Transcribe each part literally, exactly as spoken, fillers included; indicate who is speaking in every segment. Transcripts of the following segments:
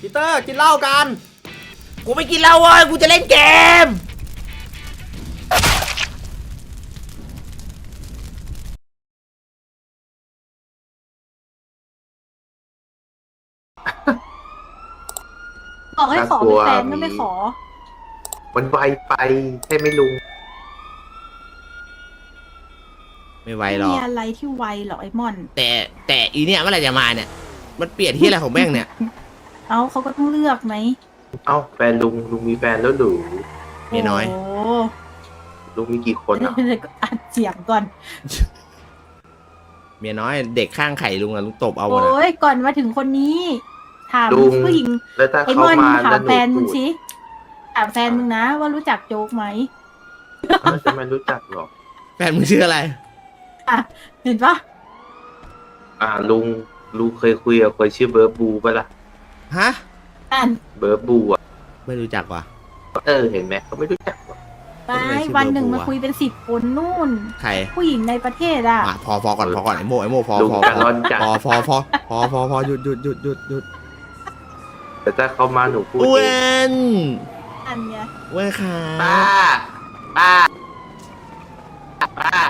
Speaker 1: ปีเตอร์กินเหล้ากัน
Speaker 2: กูไม่กินเหล้าเว้ยกูจะเล่นเกม
Speaker 3: บอกให้ขอเป็นแฟนก็ไม่ขอ
Speaker 4: มันไวไปใช่ไหมลุง
Speaker 2: ไม่ไวหรอก
Speaker 3: มีอะไรที่ไวหรอไอ้มอน
Speaker 2: แต่แต่อีเนี่ยเมื่อไหร่จะมาเนี่ยมันเปลี่ยนที่อะไรของแม่งเนี่ย
Speaker 3: เอ้าเขาก็ต้องเลือกไหม
Speaker 4: เอ้าแฟนลุงลุงมีแฟนแล้วหรือ
Speaker 2: เมียน้อย
Speaker 3: โอ้
Speaker 4: ลุงมีกี่คนอ่ะ
Speaker 3: เดี๋ยวก็อัดเสียงก่อน
Speaker 2: เมียน้อยเด็กข้างไข่ลุงอะลุงตบเอาหมดอะ
Speaker 3: โอ้ยก่อนมาถึงคนนี้ ถาม
Speaker 4: ลุง
Speaker 3: ผู้หญิง
Speaker 4: แล้วถ้า
Speaker 3: ไอ้ม
Speaker 4: เขา
Speaker 3: อน
Speaker 4: มา
Speaker 3: ถา
Speaker 4: แล้ว
Speaker 3: ม
Speaker 4: หนู
Speaker 3: แฟนมึ
Speaker 4: พู
Speaker 3: ง
Speaker 4: ด
Speaker 3: สิถามแฟนมึงนะว่ารู้จักโจ๊กไหม
Speaker 4: เขาจะไม่รู้จักหรอก
Speaker 2: แฟนมึงชื่ออะไร
Speaker 3: อ่ะเห็นปะ
Speaker 4: อ่าลุงลุงเคยคุยกับคนชื่อเบิร์ดบูปะล่ะ
Speaker 2: ฮะ
Speaker 3: อ่าน
Speaker 4: เบิร์ดบูอ่ะ
Speaker 2: ไม่รู้จักว่ะ
Speaker 4: เออเห็นไหมเขาไม่รู้จักหรอก
Speaker 3: ไป
Speaker 2: คนไหนชื่อ
Speaker 3: วันหนึ่ง
Speaker 2: เบอร์
Speaker 3: มา
Speaker 2: บัว
Speaker 3: คุยเป็นสิบคนนู่น
Speaker 2: ใคร
Speaker 3: ผู้หญิงในประเทศอ่ะ
Speaker 2: อ่ะพอพอก่อนพอก่อนไอ้โมไอ้โมพอ
Speaker 4: ลุง
Speaker 2: พอ
Speaker 4: จะ
Speaker 2: พอ
Speaker 4: ร้อนจัด
Speaker 2: พอพอพอพอพอพอหยุดหยุดหยุดหยุดหยุด
Speaker 4: แต่ถ้าเขามาหนูพูด
Speaker 2: อ้ว
Speaker 4: เอง
Speaker 2: น
Speaker 3: อันเนี้ย
Speaker 2: อ้วนขา
Speaker 4: ป้าป้าป้า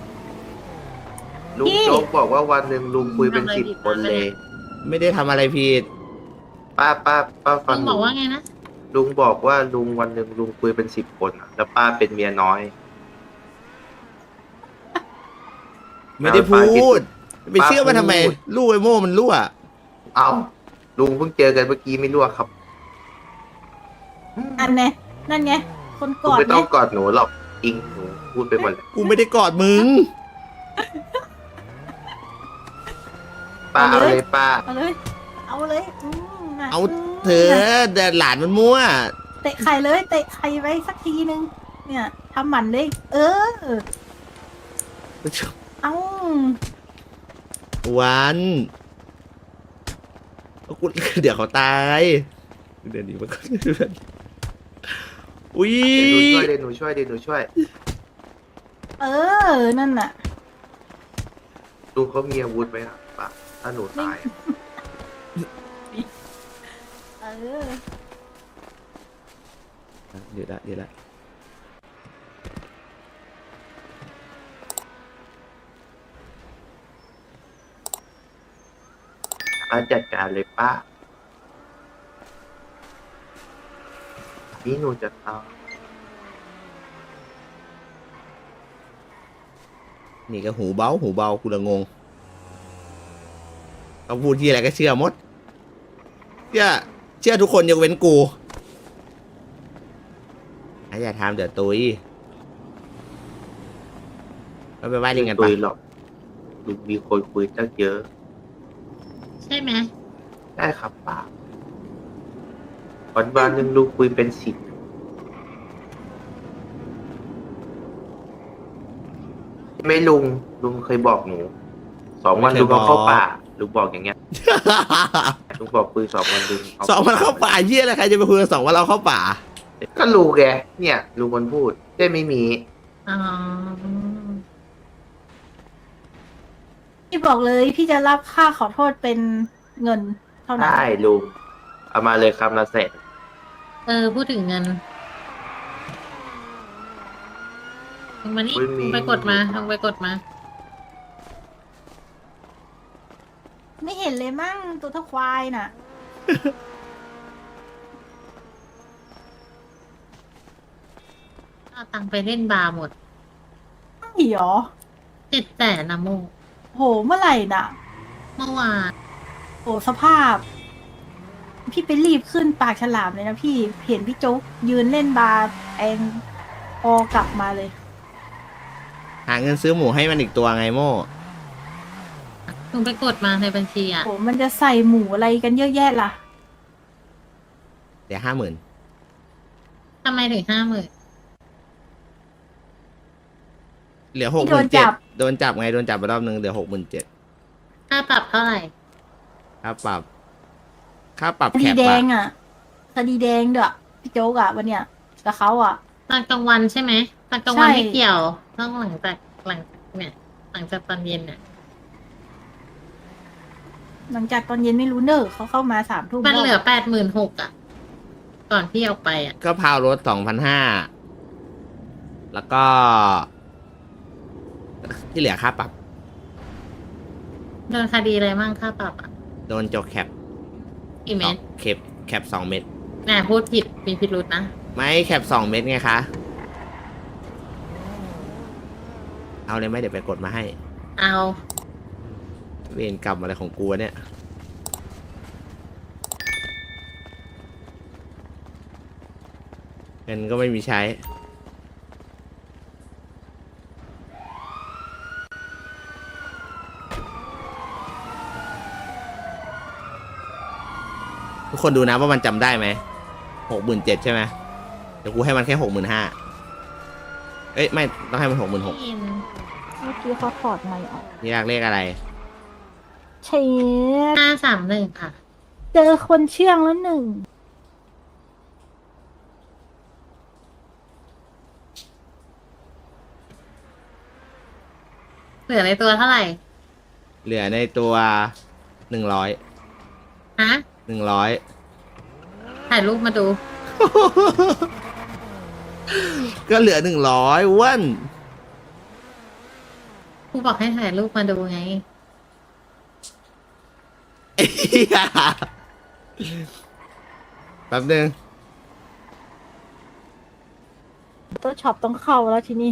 Speaker 4: ลุงโจ๊กบอกว่าวันหนึ่งลุงคุยเป็นสิบคนเลย
Speaker 2: ไม่ได้ทำอะไรผิด
Speaker 4: ป้าป้าป้าฟั
Speaker 5: ลุ
Speaker 4: ง
Speaker 5: งบอกว่าไงนะ
Speaker 4: ลุงบอกว่าลุงวันหนึ่งลุงคุยเป็นสิบคนอะแล้วป้าเป็นเมียน้อย
Speaker 2: ไม่ได้พูดไปเชื่อมันทำไม
Speaker 4: พูด
Speaker 2: ลูกไอ้โมมันรั่ว
Speaker 4: เอาลุงเพิ่งเจอกันเมื่อกี้ไม่รู้อะครับ
Speaker 3: อันเนี้ยนั่นไงคนก
Speaker 4: ลุง
Speaker 3: อด
Speaker 4: ไม่ต้
Speaker 3: เนี่
Speaker 4: อย งกอดหนูหรอกอิงหนูพูดไปหมดเลย
Speaker 2: กูไม่ได้กอดมึง
Speaker 4: ป้าเอาเลยป้า
Speaker 3: เอาเลยเอาเลยอืมน่ะ
Speaker 2: เอา
Speaker 3: ม
Speaker 2: เธอแต่หลานมันมั่ว
Speaker 3: เตะไข่เลยเตะไข่ไว้สักทีนึงเนี่ยทำหมันเลยเออเอ้า
Speaker 2: วันเอากูเดี๋ยวเขาตายเดี๋ยวนี้มันก็อุ้ย
Speaker 4: เดี๋ยวหนูช่วยเดี๋ยวหนูช่วยเดี๋ยวหนูช่วย
Speaker 3: เออนั่นน่ะ
Speaker 4: ลุงเขามีอาวุธไหมครับป้าถ้าหนูตายอะ
Speaker 3: เออ
Speaker 2: เดี๋ยวละเดี๋ยวละ
Speaker 4: ป้าจัดการเลยป้านี่หนูจะเอา
Speaker 2: นี่ก็หูเบาหูเบากูละงงเขาพูดที่อะไรก็เชื่อหมดเชื่อเชื่อทุกคนยกเว้นกูอย่าทำเดี๋ยวตุยเราไปไหว้ลิงกัน
Speaker 4: คุ
Speaker 2: ปะ
Speaker 4: ยหรอกลุงมีคนคุยตั้งเยอะ
Speaker 5: ใช่ไหม
Speaker 4: ได้ครับป้าวันวันหนึ่งลุงคุยเป็นสิบไม่ลุงลุงเคยบอกหนูสองวันลุงเอาเข้าป่าลุงบอกอย่างเงี้ยลุงบอกคุยสองวันลุงเา
Speaker 2: สองวันเข้าป่าเยี่ยอะไรใครจะไปคุยกันสองวันเราเข้าป่า
Speaker 4: ก็ลุงแกเนี่ยลุงคนพูดได้ไม่มี
Speaker 5: อ๋อ
Speaker 3: พี่บอกเลยพี่จะรับค่าขอโทษเป็นเงินเท่านั้น
Speaker 4: ได้ลุงเอามาเลยคำละแสน
Speaker 5: เออ พูดถึงเงินลงมานี่ลงไปกดมาลงไปกดมา
Speaker 3: ไม่เห็นเลยมั่งตัวเท่าควายน่ะ
Speaker 5: เอาตังค์ไปเล่นบาร์หมด
Speaker 3: อีหรอ
Speaker 5: เจ็ดแสนนะโม
Speaker 3: โหเมื่อไหร่น่ะ
Speaker 5: เมื่อวาน
Speaker 3: โหสภาพ พี่ไปรีบขึ้นปากฉลามเลยนะพี่เห็นพี่โจ๊กยืนเล่นบาร์แองพอกลับมาเลย
Speaker 2: หาเงินซื้อหมูให้มันอีกตัวไงโม่
Speaker 5: ลงไปกดมาในบัญชีอ่ะ
Speaker 3: โหมันจะใส่หมูอะไรกันเยอะแยะล่ะ
Speaker 2: เดี๋ยวห้าหมื่น
Speaker 5: ทำไมถึงห้าหมื่น
Speaker 2: เหลือหกห
Speaker 3: โด
Speaker 2: มื่
Speaker 3: น
Speaker 2: น
Speaker 3: จั
Speaker 2: เจ็ด
Speaker 3: บ
Speaker 2: โดนจับไงโดนจับไปรอบนึงเหลือหกหมื่นเจ็ด
Speaker 5: ค่าปรับเท่าไหร่
Speaker 2: ค่าปรับค่าปรับ
Speaker 3: ค
Speaker 2: แค
Speaker 3: ดี
Speaker 2: ป
Speaker 3: แด
Speaker 2: อะ
Speaker 3: งอ่ะคดีแดงเด้อพี่โจ๊กอ่ะวันเนี้ยกับเขาอ่ะ
Speaker 5: ตอนกลางวันใช่ไหมตอนกลางวัน
Speaker 3: ใช่
Speaker 5: ไม่เกี่ยวต้องหลังจากหลังเนี่ยหลังจากตอนเย็นเนี่ย
Speaker 3: หลังจากตอนเย็นไม่รู้เนอะเขาเข้ามาสามทุ่ม
Speaker 5: มันเหลือแปดหมื่นหกอ่ะ ก่อนที่เอาไปอ่ะ
Speaker 2: ก็พาวรถสองพันห้าแล้วก็ ที่เหลือค่าปรับ
Speaker 5: โดนคดีอะไรมั่งค่าปรับอ่ะ
Speaker 2: โดนโจกแคป
Speaker 5: กี่เม็ด
Speaker 2: แคปแคปสองเม็ด
Speaker 5: แหมพูดผิดมีพิรุษนะ
Speaker 2: ไม่แคปสองเม็ดไงคะ เอาเลยไหมเดี๋ยวไปกดมาให้
Speaker 5: เอา
Speaker 2: เวรกรรมอะไรของกูวะเนี่ย เงินก็ไม่มีใช้ ทุกคนดูนะว่ามันจำได้ไหมหกหมื่นเจ็ดใช่ไหมเดี๋ยวกูให้มันแค่หกหมื่นห้าเอ้ย ไม่ต้องให้มันหกหมื่นหก
Speaker 5: อิน
Speaker 3: เมื่อกี้เขาถอดไมค์ออก
Speaker 2: นี่อยากเลขอะไร
Speaker 3: เช็ด
Speaker 5: ห้าสามหนึ่งค่ะ
Speaker 3: เจอคนเชื่องแล้วหนึ่ง
Speaker 5: เหลือในตัวเท่าไหร่
Speaker 2: เหลือในตัวหนึ่งร้อย
Speaker 5: ฮะ
Speaker 2: หนึ่งร้อย
Speaker 5: ถ่ายรูปมาดู
Speaker 2: ก็เหลือหนึ่งร้อยอ้วน
Speaker 5: กูบอกให้ถ่ายรูปมาดูไง
Speaker 2: เหี้ยแป๊บนึง
Speaker 3: ตัวช็อปต้องเข้าแล้วทีนี้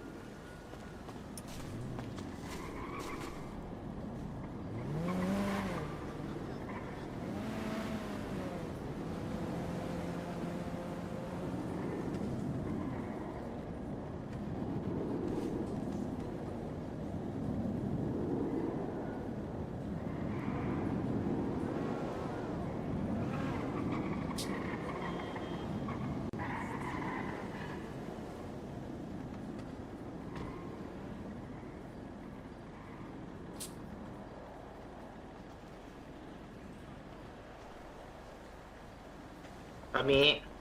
Speaker 4: ตอนนี้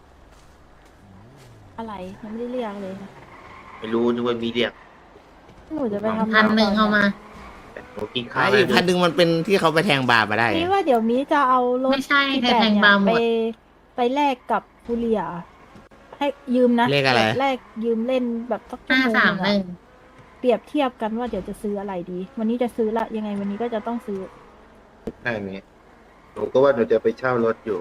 Speaker 3: อะไรยังไม่ได้เรียกเลย
Speaker 4: ไม่รู้นึกว่ามีเรียก
Speaker 3: หนูจะไปทำ
Speaker 5: พันหนึ่งเอามา
Speaker 4: แต่หนูกินข้าว
Speaker 2: ไอ้อีกพันหนึ่งมันเป็นที่เขาไปแทงบาร์มาได้
Speaker 3: นี่ว่าเดี๋ยวมีจะเอารถ
Speaker 5: ไม่ใช่
Speaker 3: ที่
Speaker 5: เธอแทง
Speaker 3: เนี่ย
Speaker 5: บาร์หม
Speaker 3: ไป
Speaker 5: ด
Speaker 3: ไปแลกกับฟูเรีย ให้ยืมนะ
Speaker 2: เลขอะไร
Speaker 3: แลกยืมเล่นแบบสักชั่ว
Speaker 5: ห้า
Speaker 3: โมง
Speaker 5: สาม
Speaker 3: หนึ่ง
Speaker 5: หนึ่
Speaker 3: อะ
Speaker 5: ง
Speaker 3: เปรียบเทียบกันว่าเดี๋ยวจะซื้ออะไรดี วันนี้จะซื้อละยังไงวันนี้ก็จะต้องซื้อ
Speaker 4: ใช่ไหมหนูก็ว่าหนูจะไปเช่ารถอยู่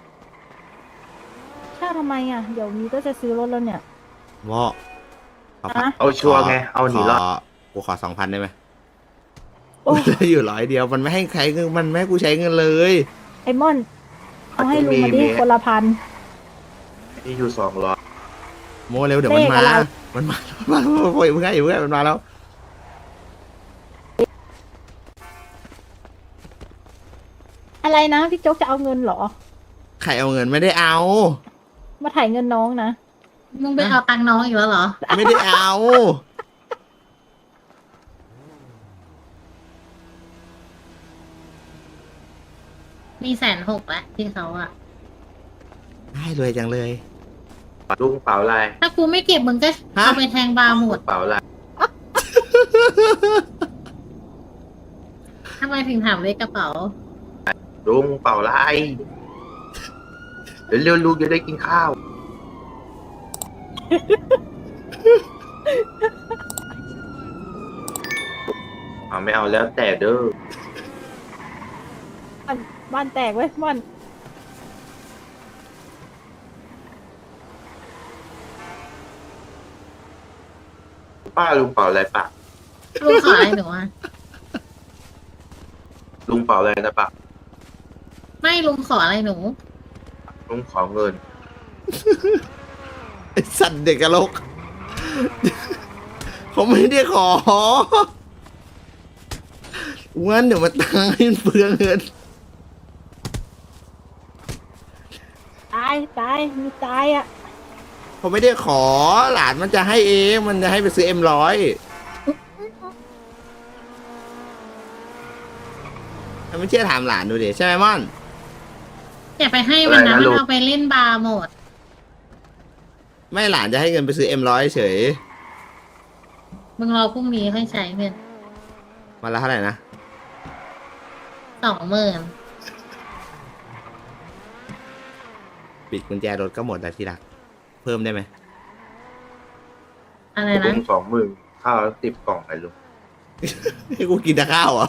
Speaker 3: เช่าทำไมอ่ะ เดี๋ยวนี้ก็จะซื้อรถแล้วเนี่ย
Speaker 2: วอขอพัก
Speaker 3: อะ
Speaker 4: เอาชัวร์ไง เอาหนีรอด
Speaker 2: ขกูขอสองพันได้ไหม
Speaker 3: โอ้
Speaker 2: เหลืออยู่ร้อยเดียว มันไม่ให้ใช้เงิน มันไม่ให้กูใช้เงินเลย
Speaker 3: ไอมอน เอาให้ลุงมาดิ
Speaker 4: มี
Speaker 3: คนละพัน
Speaker 4: นี่อยู่สองร้อย
Speaker 2: โมเร็วเดี๋ยวมัน
Speaker 3: เลข
Speaker 2: มา
Speaker 3: อะไร
Speaker 2: มันมา มันมาโอ้ยมึงไงอยู่มึงไงมันมาแล้ว
Speaker 3: อะไรนะพี่โจ๊กจะเอาเงินเหรอ
Speaker 2: ใครเอาเงินไม่ได้เอา
Speaker 3: มาถ่ายเงินน้องนะ
Speaker 5: มึงไปเอาตังค์น้องอีกแล้วเหรอ
Speaker 2: ไม่ได้เอา
Speaker 5: มีแสนหกแล้วที่เขาอะ
Speaker 2: ได้รวยจังเลย
Speaker 4: ลุงเป๋าลาย
Speaker 5: ถ้ากูไม่เก็บมึงก็
Speaker 2: ฮะ
Speaker 5: เอาไปแทงบาร์หมด
Speaker 4: เป๋าลาย
Speaker 5: ทำไมถึงถามเลขกระเป๋า
Speaker 4: ลุงเป๋าลายเดี๋ยวเร็วลุงจะได้กินข้าวเอาไม่เอาแล้วแต่เด้อ
Speaker 3: บ้านบ้านแตกเว้ยม่อน
Speaker 4: ป้าลุงเป๋าอะไรปะ
Speaker 5: ลุงขออะไรหนูอะ
Speaker 4: ลุงเป๋าอะไรนะปะ
Speaker 5: ไม่ลุงขออะไรหนู
Speaker 4: ลุงขอเงิน
Speaker 2: ไอสัตว์เด็กกะโลก เขาไม่ได้ของั้นเดี๋ยวมาตายเปลืองเงิน
Speaker 3: ตายตายมีตายอ่ะ
Speaker 2: เขาไม่ได้ขอหลานมันจะให้เองมันจะให้ไปซื้อเอ็มร้อยไม่เชื่อถามหลานดูดิใช่ไหมม่อน
Speaker 5: อย่าไปให้มันนะ
Speaker 4: อะไรนะ
Speaker 5: มัน
Speaker 4: ลูก
Speaker 5: เอาไปเล่นบาร์หมด
Speaker 2: ไม่หลานจะให้เงินไปซื้อเอ็มร้อยเฉย
Speaker 5: มึงรอพรุ่งนี้ค่อยใช้เงิน
Speaker 2: วันละเท่าไหร่นะ
Speaker 5: สองหมื่น
Speaker 2: ปิดกุญแจรถก็หมดแล้วที่รัก เพิ่มได้ไหม
Speaker 5: อะไร
Speaker 4: ลุ
Speaker 5: นะ
Speaker 4: งสองหมื่นข้าวสิบกล่องไอ้ลุง
Speaker 2: ให้กูกินแต่ข้าวเหรอ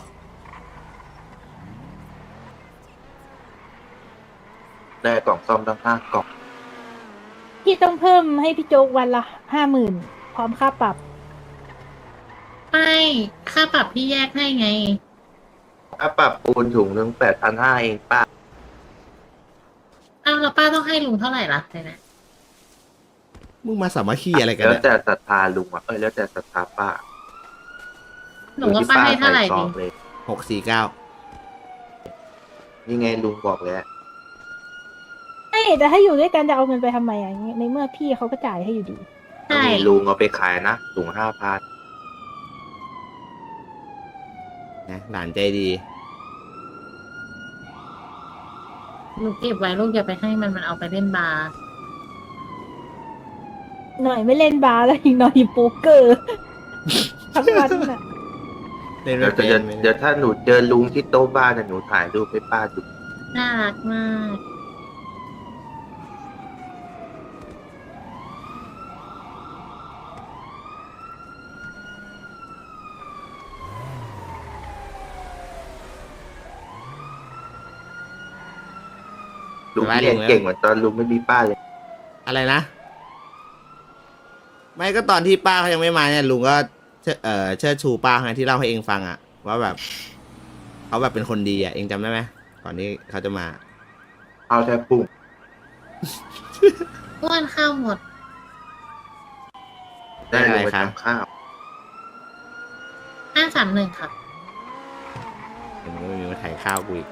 Speaker 4: ได้กล่องซ่อมตั้งห้ากล่อง
Speaker 3: พี่ต้องเพิ่มให้พี่โจ๊กวันละห้าหมื่นพร้อมค่าปรับ
Speaker 5: ไม่ค่าปรับพี่แยกให้ไง
Speaker 4: ถ้าปรับปูนถุงหนึ่งแปดพันห้าเองป้า
Speaker 5: อ้าวแล้วป้าต้องให้ลุงเท่าไหร่ล่ะเนี่ยนะ
Speaker 2: มึงมาสามัคคีอะไรกัน
Speaker 4: แล้ว
Speaker 2: เนี่ย
Speaker 4: แต่ศรัทธาลุงอ่ะเอ้ยแล้วแต่ศรัทธาป้า
Speaker 5: หนูว่าป้าให้เท่าไหร่
Speaker 4: ซ
Speaker 5: ดี
Speaker 4: องเลย
Speaker 2: หกสี่เก้า
Speaker 4: นี่ไงลุงบอกแล้ว
Speaker 3: ไม่แต่ถ้าอยู่ด้วยกันจะเอาเงินไปทำไมอ่ะในเมื่อพี่เขาก็จ่ายให้อยู่ดี
Speaker 5: ใช่
Speaker 4: นี่ลุงเอาไปขายนะถุงห้าพัน
Speaker 2: นะหลานใจดี
Speaker 5: หนูเก็บไว้ลูกอย่าไปให้มันมันเอาไปเล่นบาร์
Speaker 3: หน่อยไม่เล่นบาร์แล้วอีกหน่อยโป๊กเกอร์ ทั้งวันน่ะ
Speaker 2: เล่น
Speaker 4: เดี๋
Speaker 2: ไม่
Speaker 4: ยว
Speaker 2: เป็น
Speaker 4: เดี๋ยวเดี๋ยวถ้าหนูเจอลุงที่โต๊ะบ้านน่ะหนูถ่ายรูปให้ป้าดู
Speaker 5: น่ารักมาก
Speaker 4: ลุงเรียนเก่งเหมือนตอนลุงไม่มีป้าเลย
Speaker 2: อะไรนะ ไม่ก็ตอนที่ป้าเขายังไม่มาเนี่ยลุงก็เชิดเอ่อเชิดชูป้าไงที่เล่าให้เองฟังอะว่าแบบเขาแบบเป็นคนดีอะเองจำได้ไหมก่อนที่เขาจะมา
Speaker 4: เอาแต่ปุ่ง
Speaker 5: อ้วนข้าวหมด
Speaker 4: ได้ลงไปทำข้าว
Speaker 5: ห้าสามหนึ่งค่ะ
Speaker 2: เห็นว่ามีมาถ่ายข้าวกูอีก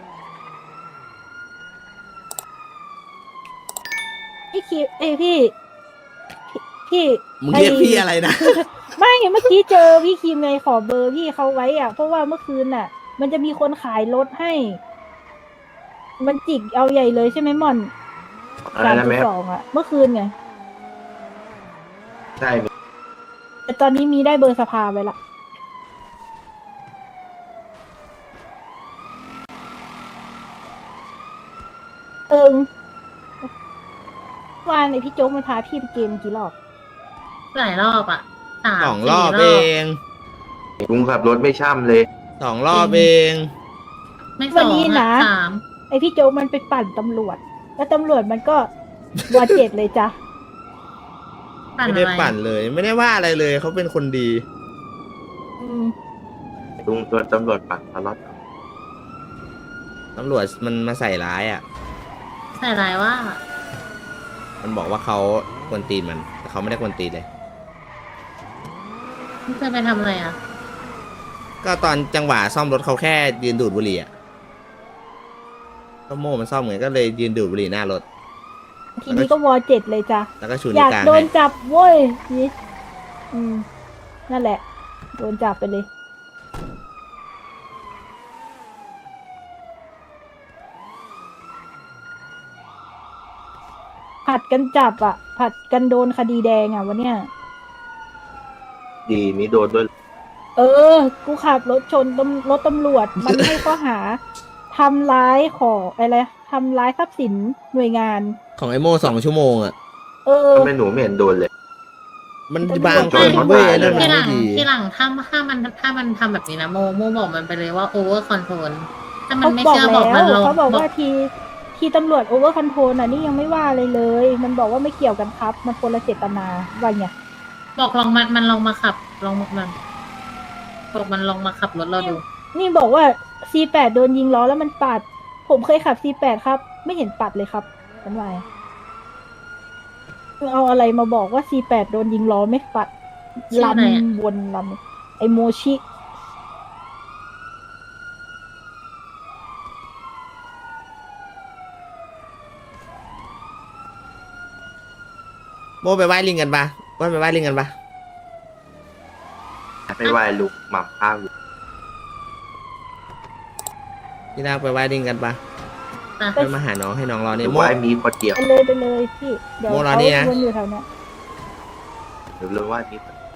Speaker 3: พี่คิดเอ้ยพี่ พี่
Speaker 2: มึงเรียกพี่อะไรนะ
Speaker 3: ไม่เมื่อกี้เจอพี่คิมไงขอเบอร์พี่เขาไว้อ่ะ เพราะว่าเมื่อคืนน่ะ มันจะมีคนขายรถให้ มันจิกเอาใหญ่เลยใช่ไหมม่อน
Speaker 4: อะไร
Speaker 3: สาม
Speaker 4: นะ
Speaker 3: จุ
Speaker 4: แม่
Speaker 3: ดสองอ่ะ เมื่อคืนไง
Speaker 4: ใช่
Speaker 3: แต่ตอนนี้มีได้เบอร์สภาไว้ละเอิงวานไอพี่โจ๊กมันพาพี่ไปเกมกี่รอบ
Speaker 5: หลายรอบอ่ะสาม
Speaker 2: สองร
Speaker 5: สี่
Speaker 2: อบเอง
Speaker 4: ลุงขับรถไม่ช่ำเลย
Speaker 2: สองรอบเอง
Speaker 5: ไม่ส
Speaker 3: วั
Speaker 5: อน ง
Speaker 3: นี้
Speaker 5: อ่ะ
Speaker 3: นะ
Speaker 5: สาม
Speaker 3: ไอพี่โจ๊กมันไปปั่นตำรวจ แล้วตำรวจมันก็ วอเจ็ดเลยจ้ะ
Speaker 5: ปั่น
Speaker 2: ไม่
Speaker 5: อะ
Speaker 2: ได้
Speaker 5: ไร
Speaker 2: ปั่นเลย ไม่ได้ว่าอะไรเลยเขาเป็นคนดี
Speaker 3: อืม
Speaker 4: ลุงโดนตำรวจปัดตลอด
Speaker 2: ตำรวจมันมาใส่ร้ายอ่ะ
Speaker 5: ใส่ลายว่า
Speaker 2: มันบอกว่าเขากวนตีนมัน แต่เขาไม่ได้กวนตีนเลย
Speaker 5: พี่เคยไปทำอะไรอ่ะ
Speaker 2: ก็ตอนจังหวะซ่อมรถเขาแค่ยืนดูดบุหรี่อ่ะก็โม่มันซ่อมเหมือนก็เลยยืนดูดบุหรี่หน้ารถ
Speaker 3: ทีนี้ก็วอเจ็ดเลยจ้ะ
Speaker 2: แล้วก็ชู
Speaker 3: อ
Speaker 2: นิ้วย
Speaker 3: าก
Speaker 2: กลาง
Speaker 3: โดน
Speaker 2: ให้
Speaker 3: จับเว้ยนี่อืม นั่นแหละ โดนจับไปเลย ผัดกันจับอ่ะ ผัดกันโดนคดีแดงอ่ะวันเนี้ย
Speaker 4: ดีมีโดนด้วย
Speaker 3: เออ กูขับรถชนตำรถตำรวจ มันให้ข้อหาทำร้ายของอะไรทำร้ายทรัพย์สินหน่วยงาน
Speaker 2: ของไอโม่สองชั่วโมงอ่ะ
Speaker 3: เออ
Speaker 4: ทำไมหนูไม่เห็นโดนเลย
Speaker 2: มัน
Speaker 3: แต่
Speaker 2: บาง
Speaker 4: โด
Speaker 2: คน น
Speaker 4: เขา
Speaker 2: เว้ย
Speaker 4: ตาย
Speaker 2: นั่น
Speaker 4: เล
Speaker 2: มั
Speaker 5: ที
Speaker 2: น
Speaker 5: หลั
Speaker 2: ไม่
Speaker 5: ง
Speaker 2: ดี
Speaker 5: ทีหลังถ้าถ้ามันถ้ามันทำแบบนี้นะโมโมบอกมันไปเลยว่าโอเวอร์คอนโทรลถ้ามัน
Speaker 3: เขา
Speaker 5: ไม่
Speaker 3: บอก
Speaker 5: เชื่อ
Speaker 3: แล้
Speaker 5: บอกมันล
Speaker 3: ว
Speaker 5: ง
Speaker 3: เขาบอก
Speaker 5: บอ
Speaker 3: ว่าก ทีทีตำรวจโอเวอร์คอนโทรลน่ะนี่ยังไม่ว่าเลยเลย มันบอกว่าไม่เกี่ยวกันครับ มันคนละเจตนาว่าไง
Speaker 5: บอกลองมันมันลองมาขับลองมันบอกมันลองมาขับรถเราดู
Speaker 3: นี่บอกว่า ซี แปด โดนยิงล้อแล้วมันปัด ผมเคยขับ ซี แปด ครับ ไม่เห็นปัดเลยครับฉันว่าเอาอะไรมาบอกว่า ซี แปด โดนยิงล้อไม่ปัด
Speaker 5: ชื่ออะไรอะ
Speaker 3: ลำวนลำไอโมชิ
Speaker 2: โม่ไปไหว้ลิงกันปะว่าไปไหว้ลิงกันปะ
Speaker 4: ไม่ไหวลุงหม่ำข้าวอยู่
Speaker 2: ที่น่าไปไหว้ลิงกันปะ
Speaker 5: อ่ะ
Speaker 2: ไปมาหาน้องให้น้องรอ
Speaker 4: ห
Speaker 2: เนี่
Speaker 4: รื
Speaker 2: ย
Speaker 4: อ
Speaker 2: โม่
Speaker 4: ว่ามีคนเดียว
Speaker 3: ไปเลยไปเลยพี่ เดี๋ยว
Speaker 2: โมรอ
Speaker 3: เขา
Speaker 2: นี่นะ
Speaker 3: วนอยู่แถวเนี้ย
Speaker 4: หรือว่ามีคน